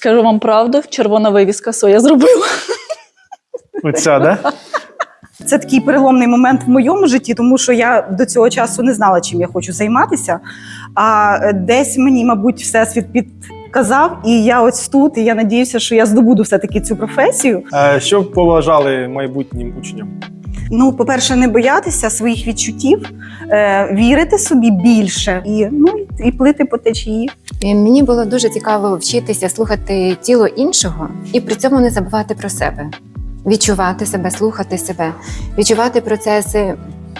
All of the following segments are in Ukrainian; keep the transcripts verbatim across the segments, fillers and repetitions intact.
Скажу вам правду, червона вивіска своя зробила. Оця, да? Це такий переломний момент в моєму житті, тому що я до цього часу не знала, чим я хочу займатися. А десь мені, мабуть, всесвіт підказав, і я ось тут, і я надіюся, що я здобуду все-таки цю професію. Е, Що б побажали майбутнім учням? Ну, по-перше, не боятися своїх відчуттів, е, вірити собі більше і, ну, і плити по течії. І мені було дуже цікаво вчитися слухати тіло іншого і при цьому не забувати про себе. Відчувати себе, слухати себе, відчувати процеси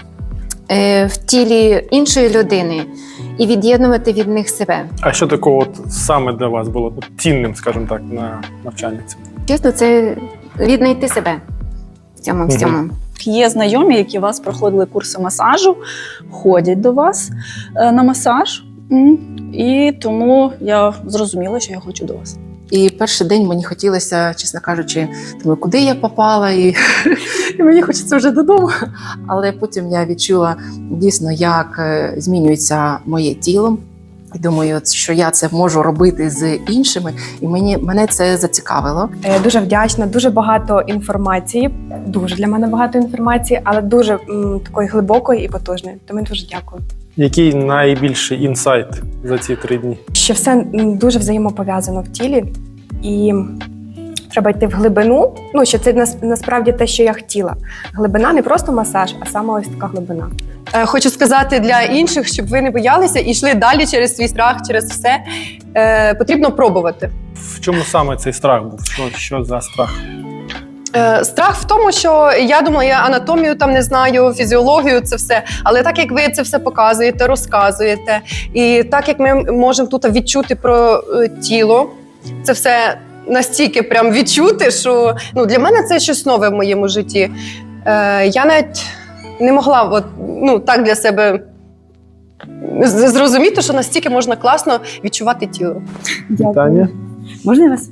е, в тілі іншої людини і від'єднувати від них себе. А що такого от саме для вас було цінним, скажімо так, на навчанні? Чесно, це віднайти себе в цьому всьому. Є знайомі, які у вас проходили курси масажу, ходять до вас е, на масаж. М. І тому я зрозуміла, що я хочу до вас. І перший день мені хотілося, чесно кажучи, думаю, куди я попала, і, і мені хочеться вже додому. Але потім я відчула дійсно, як е, змінюється моє тіло. І думаю, що я це можу робити з іншими, і мені, мене це зацікавило. Я дуже вдячна, дуже багато інформації, дуже для мене багато інформації, але дуже м, такої глибокої і потужної. Тому дуже дякую. Який найбільший інсайт за ці три дні? Що все м, дуже взаємопов'язано в тілі, і треба йти в глибину. Ну, що це нас, насправді те, що я хотіла. Глибина не просто масаж, а саме ось така глибина. Е, Хочу сказати для інших, щоб ви не боялися і йшли далі через свій страх, через все. Е, потрібно пробувати. В чому саме цей страх був? Що, що за страх? Е, страх в тому, що я думала, я анатомію там не знаю, фізіологію, це все. Але так як ви це все показуєте, розказуєте, і так як ми можемо тут відчути про е, тіло, це все настільки прям відчути, що ну, для мене це щось нове в моєму житті. Е, я навіть не могла от, ну, так для себе з- зрозуміти, що настільки можна класно відчувати тіло. Питання? Можна я вас?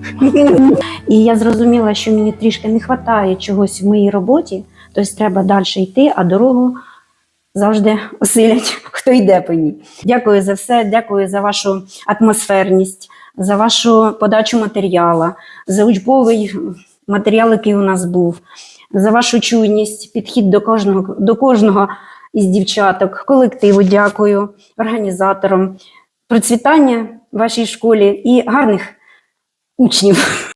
І я зрозуміла, що мені трішки не вистачає чогось в моїй роботі, тобто треба далі йти, а дорогу завжди осилять, хто йде по ній. Дякую за все, дякую за вашу атмосферність, за вашу подачу матеріалу, за учбовий матеріал, який у нас був, за вашу чуйність, підхід до кожного, до кожного із дівчаток, колективу дякую, організаторам, процвітання в вашій школі і гарних учнів.